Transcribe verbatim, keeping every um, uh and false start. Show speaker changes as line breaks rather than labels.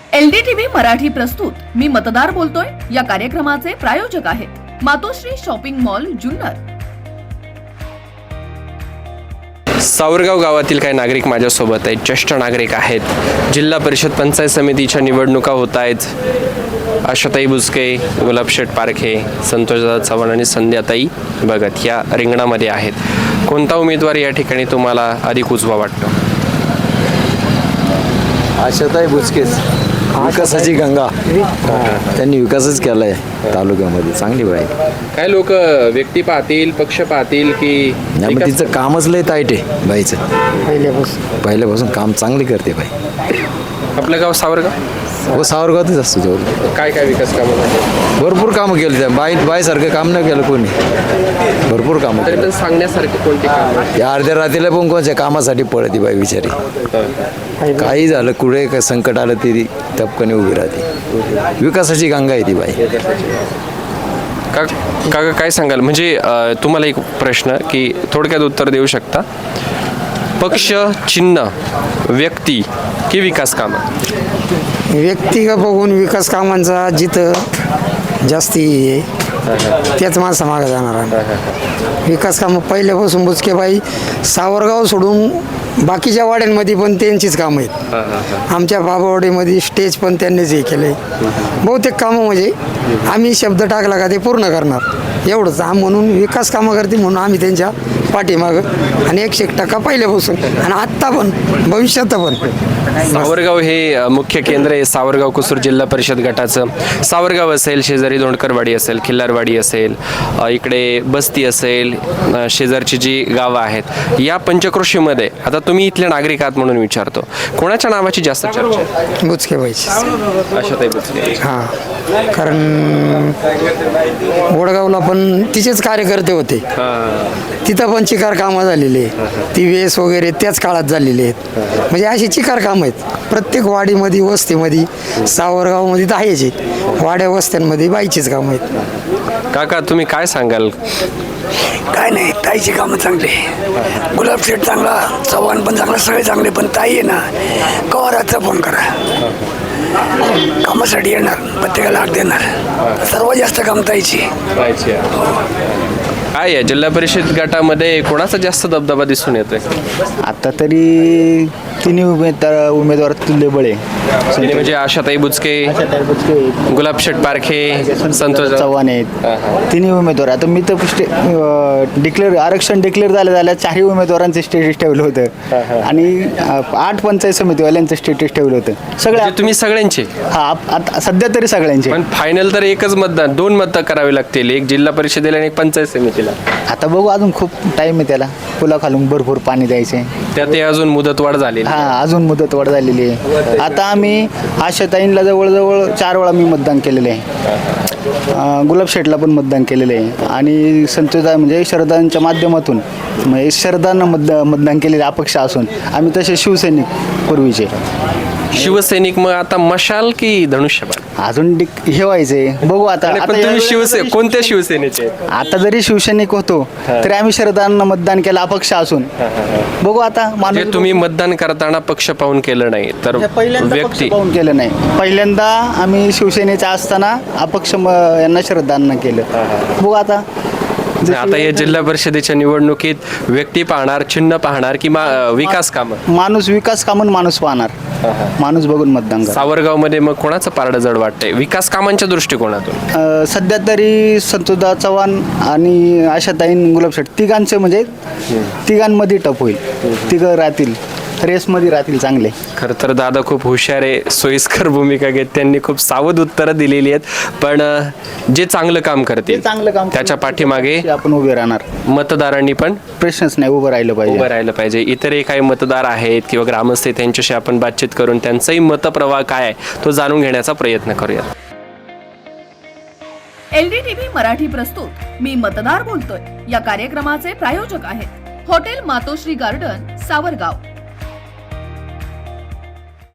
LDTV Marathi प्रस्तुत मी मतदार बोलतोय या कार्यक्रमाचे प्रायोजक आहेत मातोश्री शॉपिंग मॉल जुन्नर।
सावरगाव गावातील काही नागरिक माझ्यासोबत आहेत, ज्येष्ठ नागरिक आहेत। जिल्हा परिषद पंचायत समितीच्या निवडणुका होत आहेत। आशाताई बुचके, गुलाबशेठ पारखे, संतोषदादा चव्हाण आणि संध्याताई भगत या रिंगणामध्ये आहेत। कोणता उमेदवार या ठिकाणी तुम्हाला अधिक उजवा वाटतो?
आशाताई बुचकेच, विकासाची गंगा, त्यांनी विकासच केला आहे तालुक्यामध्ये, चांगली बाई।
काय लोक व्यक्ती पाहतील, पक्ष पाहतील की
नाही, मग तिचं कामच लय ताईट आहे बाईचं, पहिल्यापासून पहिल्यापासून काम चांगले करते बाई।
आपलं गाव सावरगाव?
हो, सावरगावातच असतो जवळ।
काय काय विकास कामं झाले?
भरपूर कामं केली त्या बाई बाईसारखं काम नाही केलं कोणी, भरपूर कामं
तरी
केली।
पण सांगण्यासारखी कोणती कामं?
त्या अर्ध्या रात्रीला पण कोणत्या कामासाठी पळती बाई बिचारी, काही झालं कुठे काय संकट आलं तरी टपकने उभी राहते। विकासाची गंगा आहे ती बाई।
का काका काय सांगाल? म्हणजे अ, तुम्हाला एक प्रश्न की थोडक्यात उत्तर देऊ शकता, पक्ष, चिन्ह, व्यक्ती की विकास कामं?
व्यक्तिगत बघून विकास कामांचा जिथं जास्ती आहे त्याच माणसा मागे जाणार आहे। विकास कामं पहिल्यापासून बुचकेबाई सावरगाव सोडून बाकीच्या वाड्यांमध्ये पण त्यांचीच कामं आहेत। आमच्या बाबावाडीमध्ये स्टेज पण त्यांनीच हे केलं आहे। बहुतेक कामं म्हणजे आम्ही शब्द टाकला का ते पूर्ण करणार एवढंच आम म्हणून विकास कामं करते म्हणून आम्ही त्यांच्या पाठीमागं आणि एकशे एक टक्का पहिल्यापासून आणि आत्ता पण भविष्यात पण।
सावरगाव हे अ, मुख्य केंद्र आहे सावरगाव कुसूर जिल्हा परिषद गटाचं। सावरगाव असेल, शेजारी दोंडकरवाडी असेल, खिल्लारवाडी असेल, अ, इकडे बस्ती असेल, अ, शेजारची जी गावं आहेत, या पंचक्रोशीमध्ये आता तुम्ही इथले नागरिक आहात म्हणून विचारतो, कोणाच्या नावाची जास्त चर्चा आहे?
बुचकेबाईची।
आशाताई बुचके।
हां, कारण वडगावला पण तिचेच कार्यकर्ते होते, तिथं पण चिकार कामं झालेली आहे, ती वेस वगैरे त्याच काळात झालेली आहेत। म्हणजे अशी चिकार कामं आहेत प्रत्येक वाडीमध्ये, वस्तीमध्ये, सावरगावमध्ये तर आहेच आहे, वाड्या वस्त्यांमध्ये बाईचीच कामं आहेत।
काका तुम्ही काय सांगाल?
काय नाही, ताईची कामं चांगली, गुलाबशेठ चांगला, चव्हाण पण चांगला, सगळे चांगले, पण ताई आहे ना कवाराचा फोन करा, कामासाठी येणार, प्रत्येकाला हाक देणार, सर्वात जास्त काम ताईची।
काय आहे जिल्हा परिषद गटामध्ये कोणाचा जास्त दबदबा दिसून येतोय?
आता तरी तिन्ही उमेदवार उमेदवार तुल्यबळ आहे।
म्हणजे म्हणजे आशाताई बुचके, गुलाबशेठ पारखे, संतोष
चव्हाण आहेत, तिन्ही उमेदवार। आता मी तर डिक्लेअर आरक्षण डिक्लेअर झालं झालं चारही उमेदवारांचं स्टेटस ठेवलं होतं आणि आठ पंचायत समितीवाल्यांचं स्टेटस ठेवलं होतं सगळ्या।
म्हणजे तुम्ही सगळ्यांचे?
हा, आप- आता सध्या तरी सगळ्यांचे।
पण फायनल तर एकच मतदान, दोन मतदान करावे लागतील, एक जिल्हा परिषदेला आणि एक पंचायत समितीला।
आता बघू, अजून खूप टाइम आहे त्याला, पुला खालून भरपूर पाणी द्यायचे।
त्यात अजून मुदतवाढ झाली
हा, अजून मुदतवाढ झालेली आहे। आता आम्ही आशाताईंला जवळजवळ चार वेळा मी मतदान केलेलं आहे, अं, गुलाबशेठला पण मतदान केलेलं आहे आणि संतोषदा म्हणजे शरदांच्या माध्यमातून म्हणजे शरदांना मतदा मतदान केलेलं अपक्ष असून आम्ही तसे शिवसैनिक पूर्वीचे।
शिवसैनिक मग आता मशाल की धनुष्यबाण?
अजून डिक हे व्हायचे, बघू आता।
आणि
आता
पण तुम्ही
यावेळेला
शिवसे
जरी-
कोणत्या शिवसेनेचे?
आता जरी शिवसैनिक होतो तरी आम्ही शरदांना मतदान केलं अपक्ष असून, बघू आता।
म्हणजे
माणूस
तुम्ही मतदान करताना पक्ष पाहून केलं नाही तर
हे पहिल्यांदा पक्ष
व्यक्ती?
पाहून केलं नाही, पहिल्यांदा आम्ही शिवसेनेचा असताना अपक्ष म- यांना श्रद्धांना केलं, बघू आता। जशी
आता या जिल्हा परिषदेच्या निवडणुकीत व्यक्ती पाहणार, चिन्ह पाहणार की मा- विकास कामं?
माणूस विकास कामून माणूस पाहणार, माणूस बघून मतदान करणार।
सावरगाव मध्ये मग कोणाचं पारडं जड वाटतंय विकास कामांच्या दृष्टिकोनातून?
अं, सध्या तरी संतोषदा चव्हाण आणि आशाताईन गुलाबशेठ तिघांचे म्हणजे तिघांमध्ये टप होईल, तिघं राहतील रेसमध्ये राहतील चांगले।
खरं तर दादा खूप हुशार आहे, सोयीस्कर भूमिका घेत, त्यांनी खूप सावध उत्तरं दिलेली आहेत, पण अं, जे चांगलं काम करतील
चांगलं काम
त्याच्या पाठीमागे
आपण उभे राहणार,
मतदारांनी पण
प्रश्नच नाही, उभं राहिलं
उभं
पाहिजे।
राहिलं पाहिजे। इतरही काही मतदार आहेत किंवा ग्रामस्थ आहेत, त्यांच्याशी आपण बातचीत करून त्यांचाही मतप्रवाह काय आहे तो जाणून घेण्याचा प्रयत्न करूया।
एलडीटीव्ही मराठी प्रस्तुत मी मतदार बोलतोय या कार्यक्रमाचे प्रायोजक आहेत हॉटेल मातोश्री गार्डन सावरगाव।